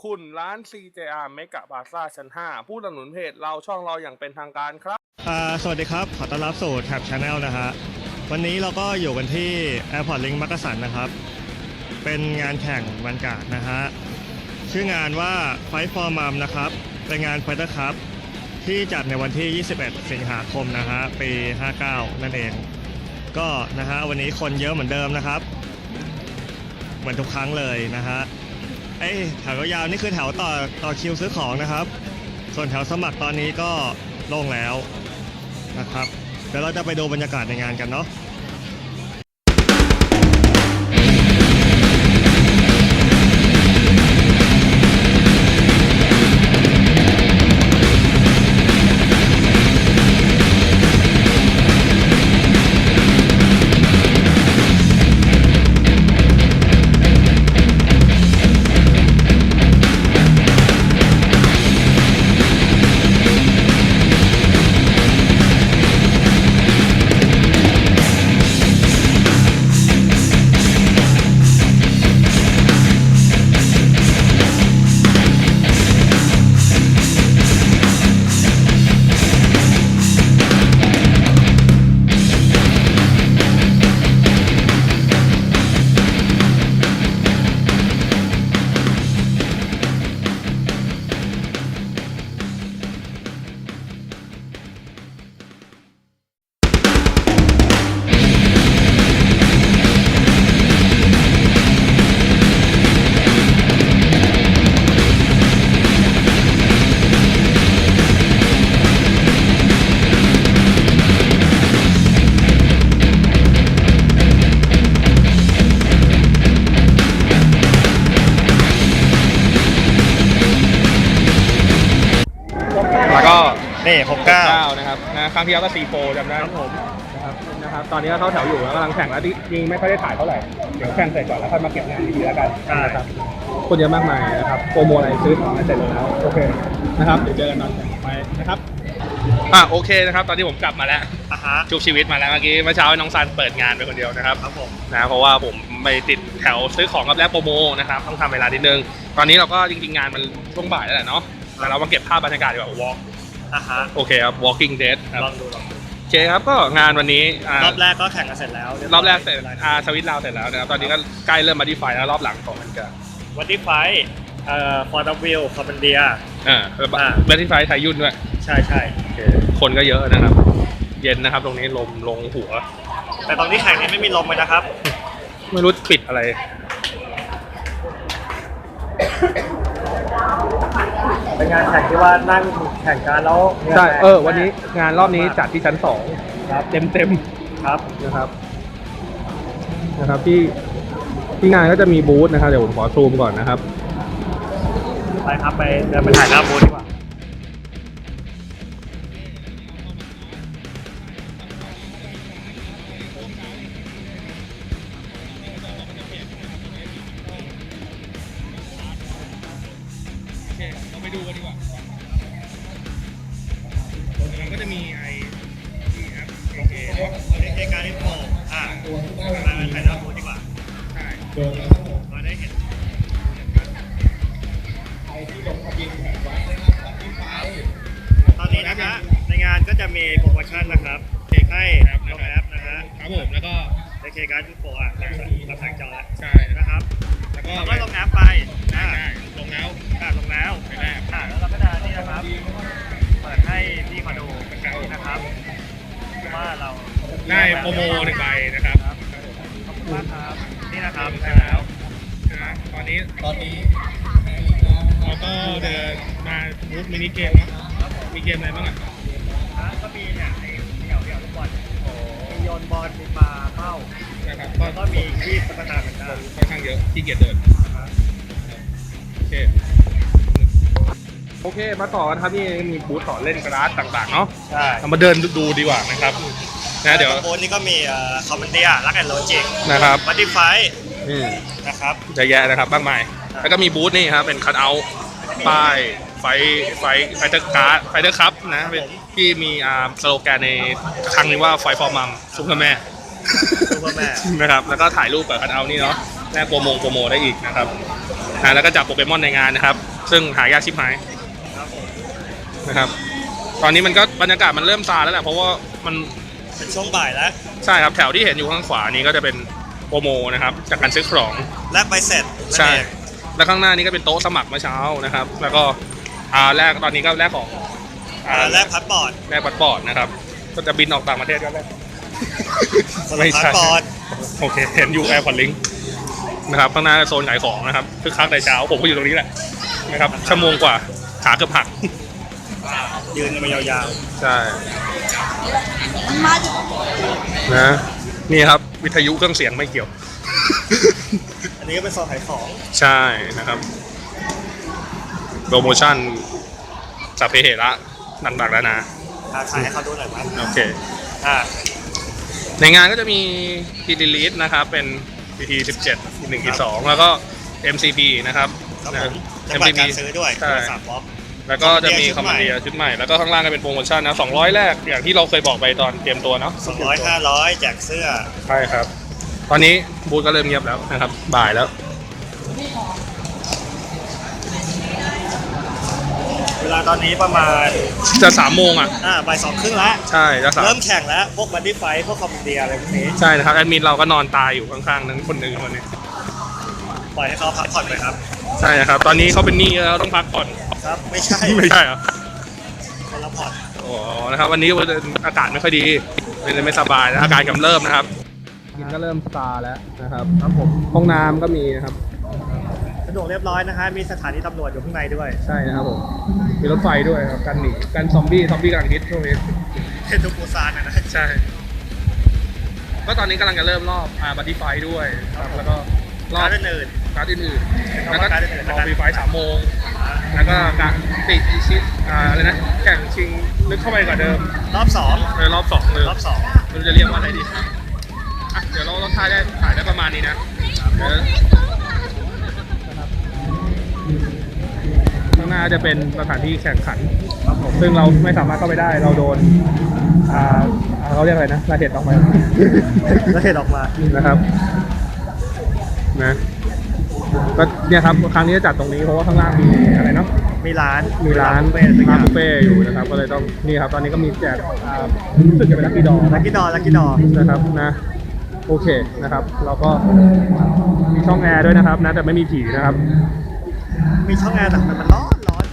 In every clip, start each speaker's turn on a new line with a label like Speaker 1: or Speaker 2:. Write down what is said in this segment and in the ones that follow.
Speaker 1: คุณร้าน CJR Mega Plaza ชั้น 5 ผู้สนับสนุนเพจเราช่องเราอย่างเป็นทางการครับ
Speaker 2: สวัสดีครับขอต้อนรับสู่ Tab Channel นะฮะวันนี้เราก็อยู่กันที่ Airport Link มักกะสันนะครับเป็นงานแข่งวันการ์ดนะฮะชื่องานว่า Fight for Mum นะครับเป็นงาน Fighter Cup ที่จัดในวันที่ 21 สิงหาคมนะฮะปี 59 นั่นเองก็นะฮะวันนี้คนเยอะเหมือนเดิมนะครับเหมือนทุกครั้งเลยนะฮะแถวยาวนี่คือแถวต่อคิวซื้อของนะครับส่วนแถวสมัครตอนนี้ก็โล่งแล้วนะครับเดี๋ยวเราจะไปดูบรรยากาศในงานกันเนาะ
Speaker 1: แล้วก็
Speaker 2: นี่
Speaker 1: 69นะครับครั้งที่แล้วก็C4จำได้
Speaker 2: ครับผม
Speaker 1: นะครับตอนนี้ก็เข้าแถวอยู่แล้วกำลังแข่งแล้วจริงไม่ค่อยได้ถ่ายเท่าไหร่เดี๋ยวแข่งเสร็จก่อนแล้วค่อยมาเก็บงานดีๆแล้วกันนะครับคนเยอะมากมายนะครับโปรโมอะไรซื้อของเสร็จแล้วโอเคนะครับเดี๋ยวเจอกันตอนต่อไปนะครับโอเคนะครับตอนที่ผมกลับมาแล้วชุบชีวิตมาแล้วเมื่อเช้าน้องซันเปิดงานไปคนเดียวนะครับ
Speaker 2: ผม
Speaker 1: นะเพราะว่าผมไปติดแถวซื้อของกับแลกโปรโมนะครับต้องทำเวลานิดนึงตอนนี้เราก็จริงๆงานมันช่วงบ่ายแล้วแหละเนาะแต่เรามาเก็บภาพบรรยากาศดีกว่า walk โอเคครับ walking dead ครับ
Speaker 2: ลองดู
Speaker 1: โอเคครับก็งานวันนี้
Speaker 2: รอบแรกก็แข่งกันเสร็จแล้ว
Speaker 1: รอบแรกเสร็จสวิตเราเสร็จแล้วนะครับตอนนี้ก็ใกล้เริ่มมาดีไฟแล้วรอบหลังของมันก็
Speaker 2: วันที่ไฟฟอร์ดวิลคอมเบนเดีย
Speaker 1: เบลที่ไฟไทยยุ่นด้วย
Speaker 2: ใช่
Speaker 1: คนก็เยอะนะครับเย็นนะครับตรงนี้ลมลงหัว
Speaker 2: แต่ตอนที่แข่งนี้ไม่มีลมเลยนะครับ
Speaker 1: ไม่รู้ปิดอะไร
Speaker 2: เป็นงานแข่งที่ว่านั่งแข่งกันแล้ว
Speaker 1: ใช่วันนี้งานรอบนี้จัดที่ชั้น2ครับเต็ม
Speaker 2: ครับ
Speaker 1: นะครับที่งานก็จะมีบูธนะครับเดี๋ยวผมขอซูมก่อนนะครับ
Speaker 2: ไปครับไปเดินไปถ่ายหน้าบูธดีกว่า
Speaker 1: เราไปดูกันดีกว่ามันก็จะมีที่แอป
Speaker 2: เอการอินโฟมาถ่ายหน้าบูธดีกว่า
Speaker 1: ใช่
Speaker 2: มาได้เห็นตอนนี้นะครับในงานก็จะมีโปรโมชั่นนะครับให้ลงแอปนะฮะ
Speaker 1: ครับผมแล้วก็
Speaker 2: ในเคการอินโฟเราสั่งจองแล้ว
Speaker 1: ใช่
Speaker 2: นะครับแล้วก็ลงแอปไป
Speaker 1: ลงแล้ว
Speaker 2: ไปแรกแล้วเราก็จะนี่นะครับเปิดให้พี่มาดูนะครับว่าเรา
Speaker 1: ได้โปรโม1ใบนะครับ
Speaker 2: ขอบคุณมากครับนี่นะครับใช่แล้ว
Speaker 1: ตอนนี้เราก็เดินมาบูธมินิเกมนะมีเกมอะไรบ้าง
Speaker 2: ก็มีเนี่ยเดี่ยวลูกบอลมีโยนบอลมีปลาเป้า
Speaker 1: นะครับ
Speaker 2: ก็มีคีบตุ๊กตาเหมือนกัน
Speaker 1: ค่อนข้างเยอะที่เกียรเดินโอเคมาต่อกันครับนี่มีบูธสอนเล่นกระดาษต่างๆเนาะ
Speaker 2: ใช่
Speaker 1: เรามาเดินดูดีกว่านะครับนะเดี๋ยว
Speaker 2: บูธนี้ก็มีคอมเมนเดียรักแอนโลจิก
Speaker 1: นะครับ
Speaker 2: บัตตี้ไฟนะครับ
Speaker 1: จะแย่นะครับมากมายแล้วก็มีบูธนี่ครับเป็นคัทเอาท์ป้ายไฟเตอร์การ์ดไฟเตอร์คัพนะเป็นที่มีสโลแกนในครั้งนี้ว่าไฟฟอร์มัมซุปเปอร์แม่นะครับแล้วก็ถ่ายรูปกับคัทเอาท์นี่เนาะแลกโปรโมได้อีกนะครับแล้วก็จับโปเกมอนในงานนะครับซึ่งหายากชิบหายนะครับตอนนี้มันก็บรรยากาศมันเริ่มซาแล้วแหละเพราะว่ามัน
Speaker 2: เป็นช่วงบ่ายแล้ว
Speaker 1: ใช่ครับแถวที่เห็นอยู่ข้างขวานี้ก็จะเป็นโปรโมนะครับจากการซื้อของ
Speaker 2: แลกใบเสร็จ
Speaker 1: ใช่แล้วข้างหน้านี้ก็เป็นโต๊ะสมัครเมื่อเช้านะครับแล้วก็แรกตอนนี้ก็แรกของ
Speaker 2: แลกพาสปอร์ต
Speaker 1: แรกพาสปอร์ตนะครับก็จะบินออกต่างประเทศก็แรก
Speaker 2: ไม่ใช่พาสปอร์ต
Speaker 1: โอเคเห็นอยู่แอร์พอร์ตลิงนะครับข้างหน้าโซนขายของนะครับคือคักแต่เช้าผมก็อยู่ตรงนี้แหละนะครับชั่วโมงกว่าขาเกือบหัก
Speaker 2: ยืนกันมายาว
Speaker 1: ใช่นะนี่ครับวิทยุเครื่องเสียงไม่เกี่ยว
Speaker 2: ๆ อันนี้ก็เป็นโซนขายของ
Speaker 1: ใช่นะครับโปรโมชั่นสัพเพเหระต่างๆแล้วนะ
Speaker 2: ขายให้เขาดูหน่อยมั้ย
Speaker 1: โอเค ในงานก็จะมี P-Release นะครับเป็น PT 17 1 2แล้วก็ MCP นะครับ
Speaker 2: ครับผมจังหวัดการซื้อด้วย
Speaker 1: ใช่
Speaker 2: 3บล็อก
Speaker 1: แล้วก็จะมีคอมมานเดียชุดใหม่แล้วก็ข้างล่างก็เป็นโปรโมชั่นนะ200แรกอย่างที่เราเคยบอกไปตอนเตรียมตัวเนาะ
Speaker 2: 200 500แจกเสื้อ
Speaker 1: ใช่ครับ ตอนนี้บูธก็เริ่มเงียบแล้วนะครับบ่ายแล้ว
Speaker 2: เวลาตอนนี้ประมาณ
Speaker 1: จะ3 โมงอ่ะ
Speaker 2: บ่าย2ครึ่งแล้ว
Speaker 1: ใช่จะสาม
Speaker 2: เริ่มแข่งแล้วพวกบัดดี้ไฟท์พวกคอมมานเดียอะไรพวกนี้
Speaker 1: ใช่นะครับแอดมินเราก็นอนตายอยู่ข้างๆนั้นคนหนึ่งคนนี้
Speaker 2: ปล่อยให้เขาพักผ่อนไปครับ
Speaker 1: ใช่นะครับตอนนี้เขาเป็นหนี้แล้วต้องพักผ่อน
Speaker 2: ครับไม่ใช่
Speaker 1: ไม่ใช่เหรอ
Speaker 2: คนละผ่อน
Speaker 1: โอ้นะครับวันนี้อากาศไม่ค่อยดีไม่สบายนะอาการกำเริบนะครับกินก็เริ่มซาแล้วนะครับครับผมห้องน้ำก็มีนะครับ
Speaker 2: สะดวกเรียบร้อยนะฮะมีสถานีตำรวจอยู่ข้างในด้วย
Speaker 1: ใช่นะครับผมมีรถไฟด้วยครับกันหนีกันซอมบี้กำลังฮิตช่วงนี้
Speaker 2: เทนตูปูซานนะ
Speaker 1: ใช่ก็ตอนนี้กำลังจะเริ่มรอบบัดดี้ไฟด้วยครับแล้วก็รอบ
Speaker 2: ร้านอื่น
Speaker 1: การ์ดอื่นๆแล้วก็
Speaker 2: การ์ดอื่นๆ
Speaker 1: รอมีไฟ3 โมงแล้วก็การติดอีชิตอะไรนะแข่งชิงลึกเข้าไปกว่าเดิม
Speaker 2: รอบ2
Speaker 1: เลยรอบ2เลย
Speaker 2: รอบ
Speaker 1: ไม่รู้จะเรียกว่าอะไรดีอ่ะเดี๋ยวเราถ่ายได้ประมาณนี้นะเดี๋ยวนะครับข้างหน้าจะเป็นสถานที่แข่งขัน
Speaker 2: 2ครับผม
Speaker 1: ซึ่งเราไม่สามารถเข้าไปได้เราโดนเขาเรียกอะไรนะระเหตุออกไป
Speaker 2: แล้วเห็นออกมา
Speaker 1: นะครับนะก็เนี่ยครับครั้งนี้จะจัดตรงนี้เพราะว่าข้างล่างมีอะไรเนาะ
Speaker 2: มีร้าน
Speaker 1: ร้าน
Speaker 2: เป็นสักอ
Speaker 1: ร้าน
Speaker 2: ย่าง
Speaker 1: บุฟเฟ่ต์อยู่นะครับก็เลยต้องนี่ครับตอนนี้ก็มีแจกรู้สึกจะเป็นลัคกี้ดอ
Speaker 2: ลักกี้ดอร์
Speaker 1: นะครับนะโอเคนะครับเราก็มีช่องแอร์ด้วยนะครับนะแต่ไม่มีผีนะครับ
Speaker 2: มีช่องแอร์แต่มันร้อน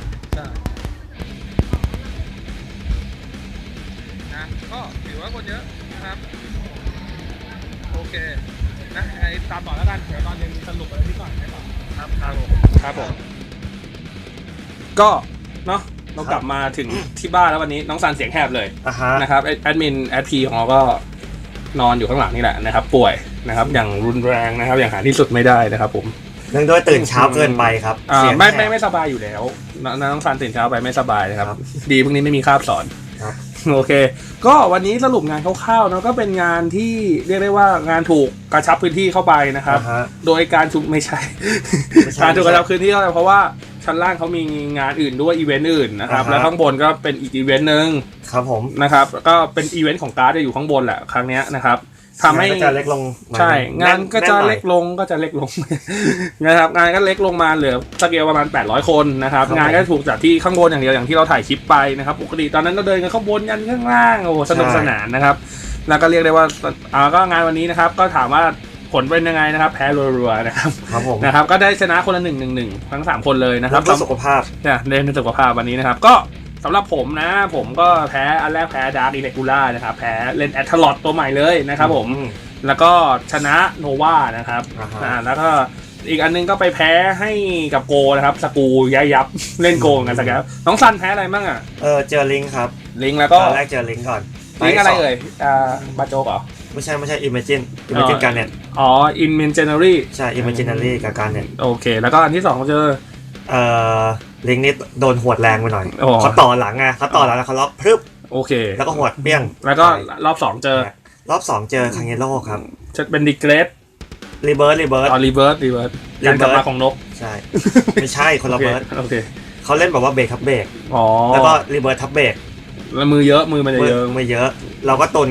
Speaker 1: นะก็ถือว่าคนเยอะนะครับโอเคนะไอ้ตามต่อแล้วกันเดี๋ยวตอนเย็นสรุปอะไรที่ก่อนให้ต่อ
Speaker 2: ครับ
Speaker 1: ครับผมก็เนาะเรากลับมาถึงที่บ้านแล้ววันนี้น้องซันเสียงแหบเลย
Speaker 2: อ่ะฮะ
Speaker 1: นะครับแอดมินแอดพีของเราก็นอนอยู่ข้างหลังนี่แหละนะครับป่วยนะครับอย่างรุนแรงนะครับอย่างหาที่สุดไม่ได้นะครับผม
Speaker 2: เนื่องด้วยตื่นเช้าเกินไปครับเสียง
Speaker 1: ไม่สบายอยู่แล้วน้องซันตื่นเช้าไปไม่สบายนะครับ
Speaker 2: ครับ
Speaker 1: ดีพวกนี้ไม่มีคาบสอน
Speaker 2: ครับ
Speaker 1: โอเค ก็วันนี้สรุปงานคร่าวๆเนาะก็เป็นงานที่เรียกได้ว่างานถูกกระชับพื้นที่เข้าไปนะครับ
Speaker 2: อ่าฮะ
Speaker 1: โดยการถูกไม่ใช่
Speaker 2: ไม่ใช่
Speaker 1: การถูกกระชับพื้นที่เข้าไปเพราะว่าชั้นล่างเขามีงานอื่นด้วยอีเวนต์อื่นนะครับ
Speaker 2: อ่าฮะ
Speaker 1: แล้วข้างบนก็เป็นอีกอีเวนต์หนึ่ง
Speaker 2: ครับผม
Speaker 1: นะครับก็เป็นอีเวนต์ของการ์ดจะอยู่ข้างบนแหละครั้งเนี้ยนะครับทำให้
Speaker 2: งานก็จะเล็กลง
Speaker 1: ใช่งานก็จะ
Speaker 2: แน่นหน่อย
Speaker 1: เล็กลงนะครับงานก็เล็กลงมาเหลือสเกลประมาณ800 คนนะครับ
Speaker 2: ครับ
Speaker 1: งานก็ถูกจัดที่ข้างบนอย่างเดียวอย่างที่เราถ่ายคลิปไปนะครับปกติตอนนั้นเราเดินกันข้างบนยันข้างล่างโอ้โหสนุก
Speaker 2: ใช่
Speaker 1: สนานนะครับแล้วก็เรียกได้ว่าก็งานวันนี้นะครับก็ถามว่าผลเป็นยังไงนะครับแพ้รัวๆนะครับ
Speaker 2: ครับผม
Speaker 1: นะครับก็ได้ชนะคนละ1-1ทั้ง3 คนเลยนะครับ
Speaker 2: เพื่อสุขภาพ
Speaker 1: เนี่ยเล่นในสุขภาพวันนี้นะครับก็สำหรับผมนะผมก็แพ้อันแรกแพ้ดาร์กอิเล็กกูล่านะครับแพ้เล่นแอตทลอตตัวใหม่เลยนะครับผมแล้วก็ชนะโนวานะครับ
Speaker 2: อ่าฮะ
Speaker 1: แล้วก็อีกอันนึงก็ไปแพ้ให้กับโกนะครับสกูยับเล่นโกงกันสักแล้วน้องซันแพ้อะไรบ้างอ่ะ
Speaker 2: เจอลิงก์ครับ
Speaker 1: ลิงแล้วก็
Speaker 2: ตอนแรกเจอลิงก์ก่อน
Speaker 1: ลิงอะไรเอ่ยบาโจกเหรอ
Speaker 2: ไม่ใช่ Imagine การเน็ต
Speaker 1: อ๋อ Imaginary
Speaker 2: ใช่ Imaginary กับการเน็ต
Speaker 1: โอเค แล้วก็อันที่2เจอ
Speaker 2: ลิงก์นี้โดนหวดแรงไปหน่อย
Speaker 1: โอ้
Speaker 2: เขาต่อหลังไงเขาต่อหลังแล้วเขาล็อกพรึบ
Speaker 1: โอเค
Speaker 2: แล้วก็หวดเปี้ยง
Speaker 1: แล้วก็รอบ2เจอ
Speaker 2: รอบ2เจอคังเยโร่ครับ
Speaker 1: จะเป็นดิเกรส
Speaker 2: รีเบิร์ด
Speaker 1: อ๋อรีเวิร์สการกลับมาของนก
Speaker 2: ใช่ ไม่ใช่คนละเบิร์ด
Speaker 1: โอเค
Speaker 2: เขาเล่นแบบว่าเบรกทับเบรก
Speaker 1: อ๋อ
Speaker 2: แล้วก็รีเบิร์ดทับเบรก
Speaker 1: แล้วมือเยอะมือมันจะเยอะ
Speaker 2: ไม่เยอะ เราก็ตุนไง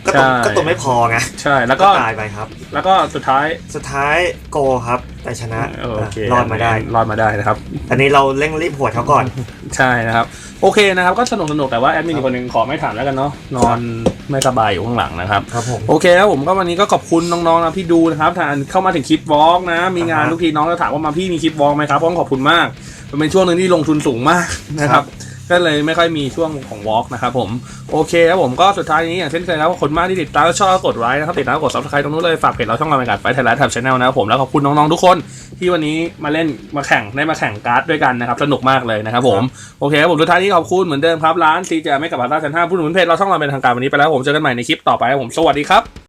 Speaker 2: ก็ตัวไม่พอไง
Speaker 1: ใช่แล้วก็
Speaker 2: ตายไปครับ
Speaker 1: แล้วก็สุดท้าย
Speaker 2: โกครับแต่ชนะ
Speaker 1: โอเค
Speaker 2: รอดมาได้
Speaker 1: นะครับ
Speaker 2: อันนี้เราเร่งรีบหวดเขาก่อน
Speaker 1: ใช่นะครับโอเคนะครับก็สนุกแต่ว่าแอดมินอีกคนหนึ่งขอไม่ถามแล้วกันเนาะนอนไม่สบายอยู่ข้างหลังนะครับ
Speaker 2: ครับผม
Speaker 1: โอเคครับผมก็วันนี้ก็ขอบคุณน้องๆนะที่ดูนะครับถ้าเข้ามาถึงคลิปวอล์กนะมีงานทุกทีน้องจะถามว่ามาพี่มีคลิปวอล์กไหมครับก็ขอบคุณมากมันเป็นช่วงหนึ่งที่ลงทุนสูงมากนะครับก็เลยไม่ค่อยมีช่วงของวอล์กนะครับผมโอเคครับผมก็สุดท้ายนี้อย่างเช่นเคยครับขอบคุณมากที่ติดตามและชอบกดไลค์นะครับติดตามกด Subscribe ตรงนู้นเลยฝากเพจเราช่องเราเป็นการไฟไทยแลนด์แท็บชาแนลนะครับผมแล้วขอบคุณน้องๆทุกคนที่วันนี้มาเล่นมาแข่งการ์ดด้วยกันนะครับสนุกมากเลยนะครับผมโอเคครับผมสุดท้ายนี้ขอบคุณเหมือนเดิมครับร้านซีเจไม่กับพาต้าชั้น5ผู้หนุนเพจเราช่องเราเป็นทางการวันนี้ไปแล้วผมเจอกันใหม่ในคลิปต่อไปครับผมสวัสดีครับ